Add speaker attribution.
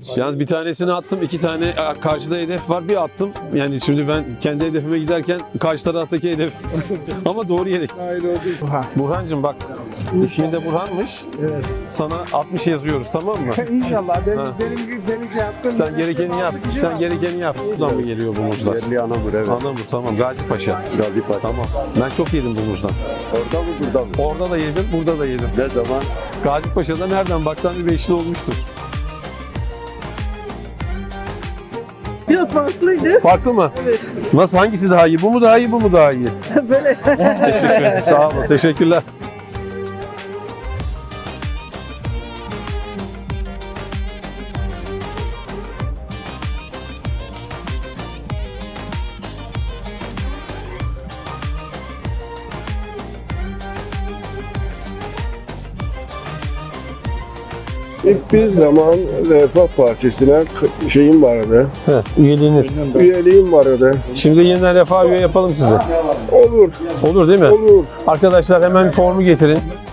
Speaker 1: Yalnız bir tanesini attım, 2 tane karşıda hedef var, bir attım. Yani şimdi ben kendi hedefime giderken karşı taraftaki hedef ama doğru yere.
Speaker 2: Hayır oldu.
Speaker 1: Burhancığım bak, ismin de Burhan'mış.
Speaker 2: Evet.
Speaker 1: Sana 60 yazıyoruz, tamam mı?
Speaker 2: İnşallah
Speaker 1: Ha.
Speaker 2: benim şey yaptım.
Speaker 1: Sen gerekeni yap. Sen gerekeni yap. Buradan mı geliyor bu muzlar?
Speaker 3: Yerli Anamur, evet.
Speaker 1: Anamur, tamam. Gazi Paşa.
Speaker 3: Gazi Paşa.
Speaker 1: Tamam. Ben çok yedim bu muzdan.
Speaker 3: Orada mı burada mı?
Speaker 1: Orada da yedim, burada da yedim.
Speaker 3: Ne zaman?
Speaker 1: Gazi Paşa'da nereden baksan bir beşli olmuştur.
Speaker 4: Biraz farklıydı.
Speaker 1: Farklı mı?
Speaker 4: Evet.
Speaker 1: Nasıl? Hangisi daha iyi? Bu mu daha iyi, bu mu daha iyi?
Speaker 4: Böyle.
Speaker 1: Teşekkür ederim. Sağ olun. Teşekkürler.
Speaker 2: İlk bir zaman Refah Partisi'ne şeyim vardı.
Speaker 1: Üyeliğiniz.
Speaker 2: Üyeliğim vardı.
Speaker 1: Şimdi yeniden refah üye yapalım size.
Speaker 2: Olur.
Speaker 1: Olur değil mi?
Speaker 2: Olur.
Speaker 1: Arkadaşlar hemen formu getirin.